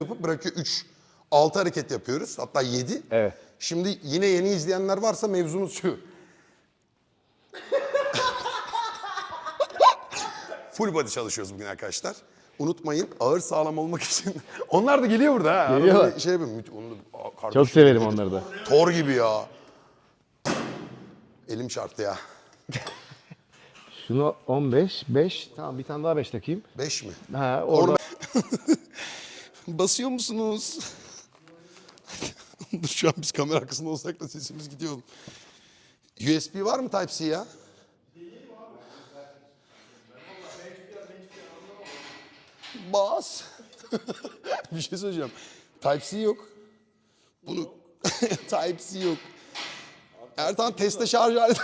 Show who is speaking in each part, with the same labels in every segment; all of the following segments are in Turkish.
Speaker 1: yapıp bırakıyor 3. 6 hareket yapıyoruz. Hatta 7.
Speaker 2: Evet.
Speaker 1: Şimdi yine yeni izleyenler varsa mevzumuz şu. Full body çalışıyoruz bugün arkadaşlar. Unutmayın ağır sağlam olmak için. Onlar da geliyor burada ha.
Speaker 2: Geliyorlar.
Speaker 1: Şey yapayım.
Speaker 2: Çok severim onları da.
Speaker 1: Thor gibi ya. Elim çarptı ya.
Speaker 2: Şunu 15, 5. Tamam bir tane daha 5 takayım.
Speaker 1: 5 mi?
Speaker 2: Ha orada.
Speaker 1: Basıyor musunuz? Dur şu an biz kamera arkasında olsak da sesimiz gidiyor. USB var mı Type-C ya? Bas. Bir şey söyleyeceğim. Type-C yok. Bunu Type-C yok. Ertan teste şarj aleti.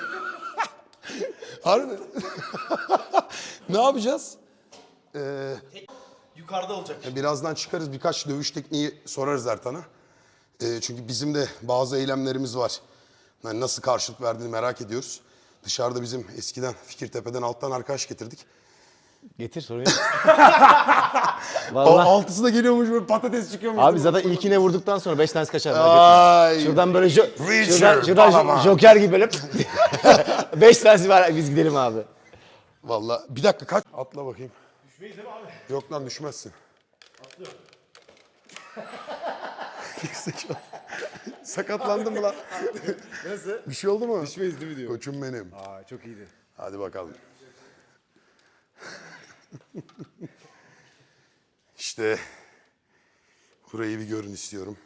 Speaker 1: Harbi. Ne yapacağız?
Speaker 3: Yukarıda olacak.
Speaker 1: Birazdan çıkarız, birkaç dövüş tekniği sorarız Ertan'a. Çünkü bizim de bazı eylemlerimiz var. Yani nasıl karşılık verdiğini merak ediyoruz. Dışarıda bizim eskiden Fikirtepe'den alttan arkadaş getirdik.
Speaker 2: Getir sorun yok.
Speaker 1: O
Speaker 2: Vallahi.
Speaker 1: altısı da geliyormuş böyle patates çıkıyormuş.
Speaker 2: Abi zaten ilkine vurduktan sonra 5 tanesi kaçar.
Speaker 1: Ay.
Speaker 2: Şuradan böyle
Speaker 1: Richard,
Speaker 2: şuradan
Speaker 1: Balaban.
Speaker 2: Joker gibi böyle 5 tanesi var biz gidelim abi.
Speaker 1: Vallahi bir dakika kaç. Atla bakayım. Düşmeyiz değil mi abi? Yok lan düşmezsin. Atlıyorum. Sakatlandın mı lan?
Speaker 3: Nasıl?
Speaker 1: Bir şey oldu mu?
Speaker 3: Düşmeyiz değil mi diyor.
Speaker 1: Koçum benim.
Speaker 3: Aa çok iyiydi.
Speaker 1: Hadi bakalım. İşte burayı bir görün istiyorum.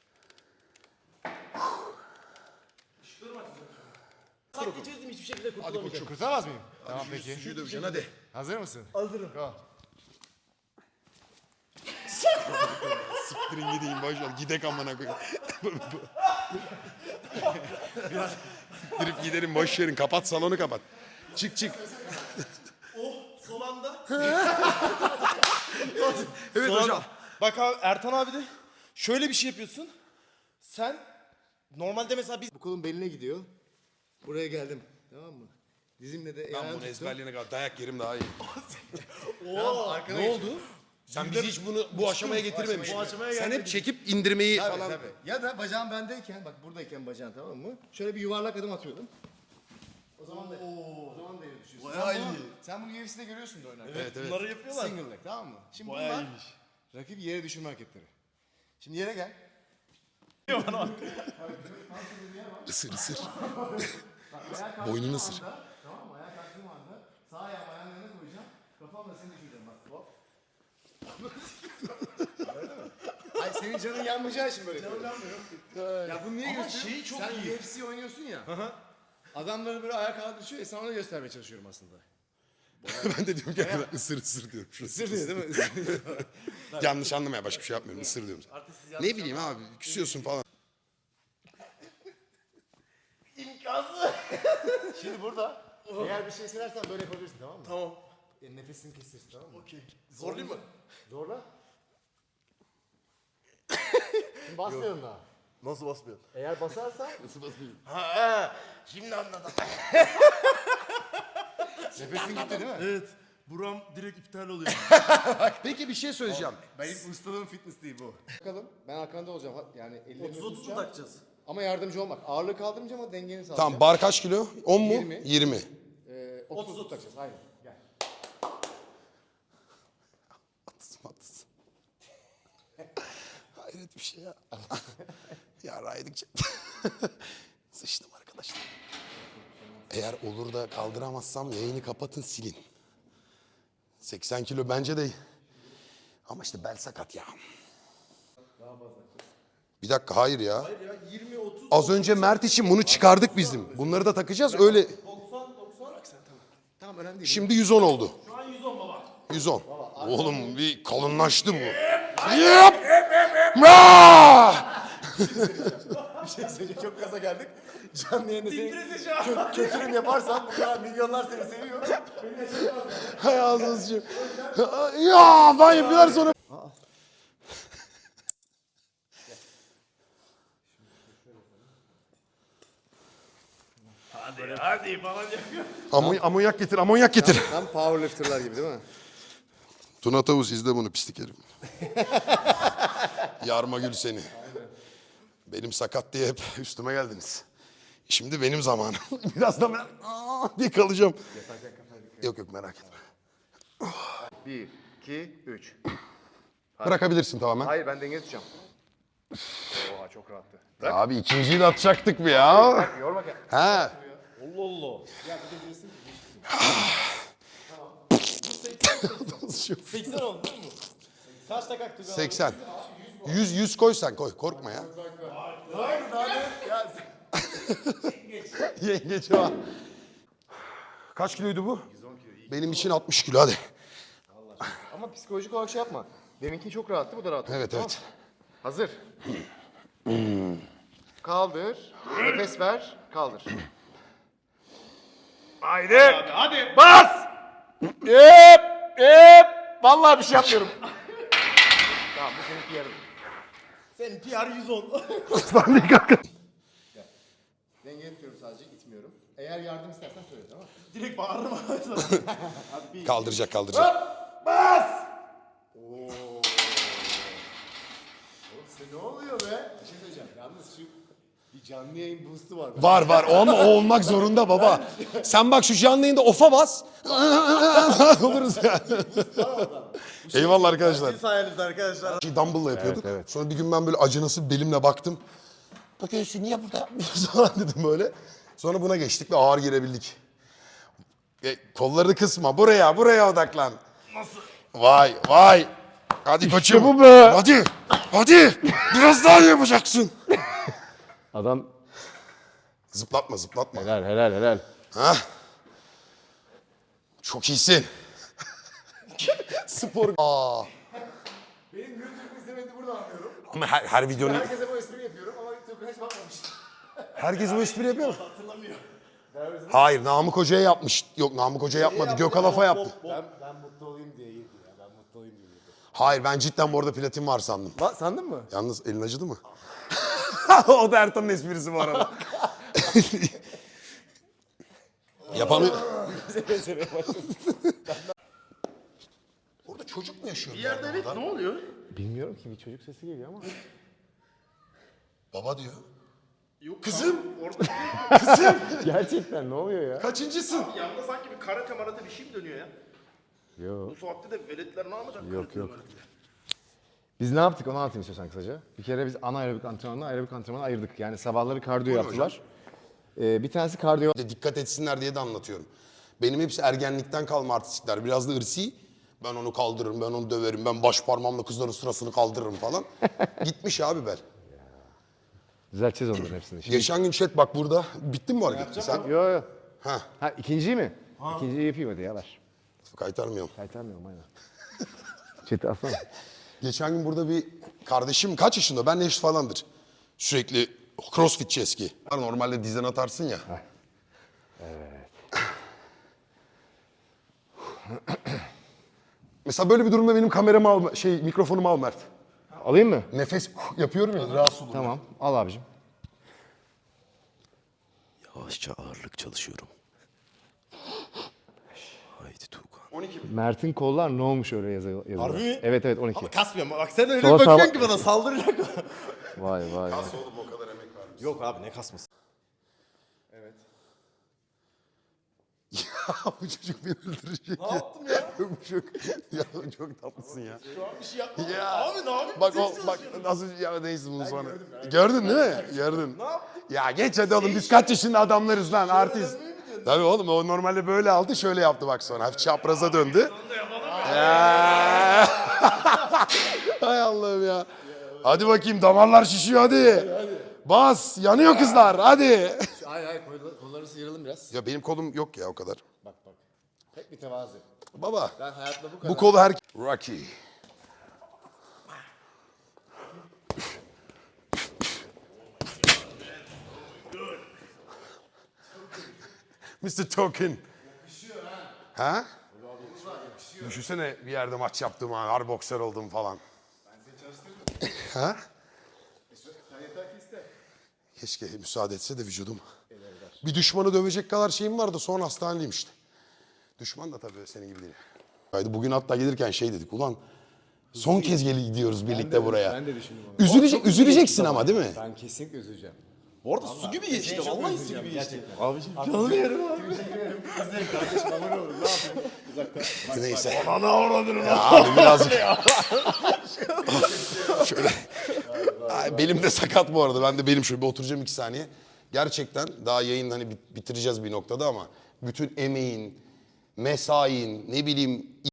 Speaker 3: Sanki çözdüm hiçbir şekilde kurtulamayacağım.
Speaker 4: Kurtulamaz mıyım? Tamam peki.
Speaker 1: Suyu döveceksin hadi.
Speaker 4: Hazır mısın?
Speaker 3: Hazırım.
Speaker 4: Go.
Speaker 1: Siktirin gideyim boşver. Gidek amına koyayım. Dirip gidelim boş verin. Kapat salonu kapat. Çık çık.
Speaker 3: Son anda.
Speaker 1: Evet
Speaker 3: Son
Speaker 1: hocam.
Speaker 3: anda. Bak abi Ertan abi de şöyle bir şey yapıyorsun. Sen normalde mesela biz...
Speaker 4: Bu kolun beline gidiyor. Buraya geldim. Tamam mı? Dizimle de
Speaker 1: Ben
Speaker 4: ayağını
Speaker 1: bunu
Speaker 4: tuttum.
Speaker 1: ezberleyene kadar dayak yerim daha iyi.
Speaker 3: Oo, ne oldu?
Speaker 1: Sen bizi hiç bu aşamaya getirmemişsin.
Speaker 3: Bu aşamaya
Speaker 1: Sen hep
Speaker 3: gelmedik.
Speaker 1: çekip indirmeyi
Speaker 4: Tabii,
Speaker 1: falan.
Speaker 4: tabii. Ya da bacağım bendeyken, bak buradayken bacağın tamam mı? Şöyle bir yuvarlak adım atıyordum. O zaman da yere düşüyorsun.
Speaker 3: Bayağı
Speaker 4: Sen bunu-
Speaker 3: iyi.
Speaker 4: Sen bunu UFC'de görüyorsun da oynarken.
Speaker 3: Evet, bunları yapıyorlar.
Speaker 4: Single leg tamam mı? Şimdi
Speaker 3: Bayağı
Speaker 4: bunlar
Speaker 3: iyiymiş.
Speaker 4: rakip yere düşürme hareketleri. Şimdi yere gel.
Speaker 1: Isır ısır. Boynunu ısır.
Speaker 4: Tamam mı? Ayağa kalktığım anda sağ ayağımı ayağının yanına koyacağım. Kafamla seni düşüreceğim bak. Hop. Hayır senin canın yanmayacağı için böyle. Canım yanmıyor. Ya bunu niye
Speaker 3: Ama
Speaker 4: gösteriyorum?
Speaker 3: şeyi çok
Speaker 4: Sen
Speaker 3: iyi.
Speaker 4: UFC oynuyorsun ya. Adamları böyle ayağa kalkıp düşüyor. Sana onu göstermeye çalışıyorum aslında.
Speaker 1: Ben de diyorum ki arkadan ısır ısır diyorum.
Speaker 4: Isır diyor değil mi? Isır.
Speaker 1: Yanlış anlamaya başka bir şey yapmıyorum. Isır diyorum. Ne bileyim abi küsüyorsun falan.
Speaker 3: İmkansız.
Speaker 4: Şimdi burada eğer bir şey söylersen böyle yapabilirsin tamam mı?
Speaker 3: Tamam.
Speaker 4: Nefesini kestirsin tamam mı?
Speaker 3: Okey. Zorlayayım mı?
Speaker 4: Zorla. Şimdi basmıyorum daha.
Speaker 3: Nasıl basmıyor?
Speaker 4: Eğer basarsan
Speaker 3: Ha, şimdi anladım.
Speaker 4: nefesin gitti değil mi?
Speaker 3: Evet. Buram direkt iptal oluyor.
Speaker 1: Peki bir şey söyleyeceğim.
Speaker 4: Benim ustalığım fitness değil bu. Bakalım ben arkanda olacağım. Yani ellerimi
Speaker 3: 30-30 mu
Speaker 4: tutacağım.
Speaker 3: takacağız?
Speaker 4: Ama yardımcı olmak. Ağırlığı kaldırmayacağım ama dengeni sağlayacağım.
Speaker 1: Tamam bar kaç kilo? 10 mu?
Speaker 4: 20.
Speaker 1: 20.
Speaker 4: 30 takacağız. Aynen. Gel.
Speaker 1: Atız. Hayret bir şey ya. Ya raydıkça. Sıçtım arkadaşlar. Eğer olur da kaldıramazsam yayını kapatın silin. 80 kilo bence de. Ama işte bel sakat ya. Bir dakika hayır ya.
Speaker 3: Hayır ya 20-30.
Speaker 1: Az önce Mert için bunu çıkardık bizim. Bunları da takacağız öyle.
Speaker 3: 90-90.
Speaker 4: Tamam önemli değil.
Speaker 1: Şimdi 110 oldu.
Speaker 3: Şu an 110 baba.
Speaker 1: 110. Oğlum bir kalınlaştı bu. Yap! Raa!
Speaker 4: Bir şey söyleyeceğim. Çok gaza geldik. Canlı yayında
Speaker 3: Titresi şu
Speaker 4: seni
Speaker 3: an.
Speaker 4: kötürüm yaparsan bu kadar milyonlar seni seviyor. Beni yaşatmaz.
Speaker 1: Hay ağzını sıçayım. Ya ben yapıyorlar sonra.
Speaker 3: Hadi falan yapıyor.
Speaker 1: Amonyak getir, amonyak getir.
Speaker 4: Tam powerlifterlar gibi değil mi?
Speaker 1: Tuna Tavus izle bunu pislik herif. Yarma gül seni. Benim sakat diye hep üstüme geldiniz. Şimdi benim zamanım. Biraz da ben diye kalacağım. Yok yok merak etme.
Speaker 4: 1, 2, 3.
Speaker 1: Bırakabilirsin tamamen.
Speaker 4: Hayır ben denge tutacağım. Oha çok rahattı.
Speaker 1: Abi ikinciyi de atacaktık mı ya?
Speaker 4: Bak yorma gel.
Speaker 1: Ha.
Speaker 3: Allah Allah. 80 oldu değil mi? Kaç dakika kalktı?
Speaker 1: 80. 100 koy sen koy. Korkma ya. Yengeç var. Kaç kiloydu bu? 110 kilo. Benim için 60 kilo hadi.
Speaker 4: Ama psikolojik olarak şey yapma. Deminki çok rahattı bu da rahat oldu.
Speaker 1: Evet
Speaker 4: Tamam.
Speaker 1: evet.
Speaker 4: Hazır. Kaldır. Nefes ver. Kaldır.
Speaker 2: Haydi.
Speaker 3: Hadi.
Speaker 2: Bas. Hep. Hep. Vallahi bir şey yapmıyorum.
Speaker 4: Tamam bu senin PR'ın.
Speaker 3: Senin PR 110.
Speaker 4: Denge tutuyorum sadece itmiyorum. Eğer yardım istersen söyle tamam mı?
Speaker 3: Direkt bağırırım.
Speaker 1: Kaldıracak kaldıracak.
Speaker 4: Oğlum size ne oluyor be? Bir şey söyleyeceğim. Yalnız şu bir canlı yayın boost'u var.
Speaker 1: Var ama o olmak zorunda baba. Sen bak şu canlı yayında ofa bas. Oluruz yani. Eyvallah arkadaşlar.
Speaker 3: Siz sayenizde arkadaşlar.
Speaker 1: Dumbbell'la yapıyorduk.
Speaker 2: Evet, evet.
Speaker 1: Sonra bir gün ben böyle acınası belimle baktım. Bakıyorsun niye burada yapmıyorsun falan dedim böyle. Sonra buna geçtik ve ağır girebildik. Kolları kısma. Buraya odaklan. Nasıl? Vay. Hadi koçum.
Speaker 2: bu be.
Speaker 1: Hadi. Biraz daha iyi yapacaksın.
Speaker 2: Adam
Speaker 1: Zıplatma.
Speaker 2: helal.
Speaker 1: Ha? Çok iyisin. Spor.
Speaker 4: Benim YouTube'u izlemedi burada anlıyorum.
Speaker 1: Ama her videonun...
Speaker 4: Herkese bu espriyi yapıyorum ama YouTube'a hiç bakmamış.
Speaker 1: Herkes bu espri yapıyor mu? Hayır, Namık Hoca'ya yapmış. Yok, Namık Hoca yapmadı. Gökhan Afa yaptı.
Speaker 4: Ben mutlu olayım diye iyiydi ya. Ben mutlu olayım diye iyiydi.
Speaker 1: Hayır, ben cidden bu arada platin var sandım.
Speaker 4: Sandın mı?
Speaker 1: Yalnız elin acıdı mı? O da Ertan'ın esprisi bu arada. Yapamıyor. Orada çocuk mu yaşıyor? Bir yerde evet,
Speaker 3: Ne oluyor?
Speaker 2: Bilmiyorum ki bir çocuk sesi geliyor ama.
Speaker 1: Baba diyor.
Speaker 3: Yok,
Speaker 1: Kızım.
Speaker 3: Orada
Speaker 2: Gerçekten ne oluyor ya?
Speaker 1: Kaçıncısın?
Speaker 3: yanında sanki bir karate marate bir şey mi dönüyor ya?
Speaker 2: Yok.
Speaker 3: Bu saatte de veletler ne yapacak?
Speaker 2: Yok. Biz ne yaptık onu anlatayım istiyorsan kısaca. Bir kere biz anaerobik antrenmanla ayırdık. Yani sabahları kardiyo yaptılar. Bir tanesi kardiyo.
Speaker 1: Dikkat etsinler diye de anlatıyorum. Benim hepsi ergenlikten kalma artistlikler. Biraz da ırsi. Ben onu kaldırırım, ben onu döverim, ben baş parmağımla kızların sırasını kaldırırım falan. Gitmiş abi bel.
Speaker 2: Düzelteceğiz onların hepsini. Şimdi...
Speaker 1: Geçen gün chat bak burada. Bitti mi bu hareket? Sen?
Speaker 2: Yo.
Speaker 1: Ha.
Speaker 2: Ha ikinciyi mi? İkinciyi yapayım hadi ya ver.
Speaker 1: Kaytarmıyorum.
Speaker 2: Kaytarmıyorum aynen. Chat'i alsana.
Speaker 1: Geçen gün burada bir kardeşim kaç yaşında? Ben eş falandır. Sürekli crossfitçi eski. Normalde dizden atarsın ya.
Speaker 2: Evet.
Speaker 1: Mesela böyle bir durumda benim kameramı al, mikrofonumu al Mert.
Speaker 2: Alayım mı?
Speaker 1: Nefes yapıyorum ya rahatsız olurum.
Speaker 2: Tamam al abicim.
Speaker 1: Yavaşça ağırlık çalışıyorum. Haydi Tuğkan. 12 mi?
Speaker 2: Mert'in kollar ne olmuş öyle yazıyor.
Speaker 3: Harbi mi?
Speaker 2: Evet 12.
Speaker 3: Ama kasmıyorum. Bak sen öyle
Speaker 2: Sola
Speaker 3: bir bakıyorsun
Speaker 2: sağa-
Speaker 3: ki bana saldıracak mı?
Speaker 2: Vay.
Speaker 1: Oğlum o kadar emek vermiş.
Speaker 3: Yok abi ne kasması?
Speaker 1: Ya bu çocuk beni öldürecek
Speaker 3: Ne yaptım ya?
Speaker 1: çok tatlısın ya.
Speaker 3: Şu an bir şey yapmadım.
Speaker 1: Ya.
Speaker 3: Abi ne yapayım?
Speaker 1: Bak
Speaker 3: Ses
Speaker 1: bak
Speaker 3: çalışıyorum.
Speaker 1: nasıl ya neyse bunu sonra. Gördün değil mi? Gördün.
Speaker 3: Ne yaptım?
Speaker 1: Ya geç hadi oğlum biz kaç yaşında adamlarız lan artist.
Speaker 3: demeye mi diyorsun?
Speaker 1: Tabii oğlum o normalde böyle aldı şöyle yaptı bak sonra hafif çapraza döndü. Ya. Hay Allah'ım ya. Hadi bakayım damarlar şişiyor hadi. Bas yanıyor kızlar hadi.
Speaker 4: Hayır kolları sıyıralım biraz.
Speaker 1: Ya benim kolum yok ya o kadar.
Speaker 4: Bak. Tek bir tevazu.
Speaker 1: Baba
Speaker 4: Ben hayatımda bu kadar.
Speaker 1: bu kolu her... Rocky. Mr. Token. Ha? Düşünsene bir yerde maç yaptım ha, har boksör oldum falan. Ha?
Speaker 4: Sen yeter ki iste.
Speaker 1: Keşke müsaade etse de vücudum. Bir düşmanı dövecek kadar şeyim vardı sonra hastaneliyim işte. Düşman da tabii senin gibi değil. Bugün hatta gelirken şey dedik. Ulan son kez gidiyoruz birlikte buraya.
Speaker 2: Ben de düşündüm onu.
Speaker 1: Üzüleceksin ama değil mi?
Speaker 2: Ben kesinlikle üzüleceğim.
Speaker 3: Bu arada su gibi geçti.
Speaker 2: çok
Speaker 3: Vallahi su
Speaker 2: özleyeceğim,
Speaker 3: gibi geçti.
Speaker 2: gerçekten.
Speaker 3: Abiciğim canlı yerim abi.
Speaker 4: Teşekkür ederim. İzleyin kardeşim abone olun. Ne yapayım? Uzaktan.
Speaker 1: Neyse.
Speaker 3: Ana avradını.
Speaker 1: Ya abi birazcık. Şöyle. Ay, belim de sakat bu arada. Ben de belim şöyle bir oturacağım 2 saniye. Gerçekten daha yayın hani bitireceğiz bir noktada ama bütün emeğin, mesain, ne bileyim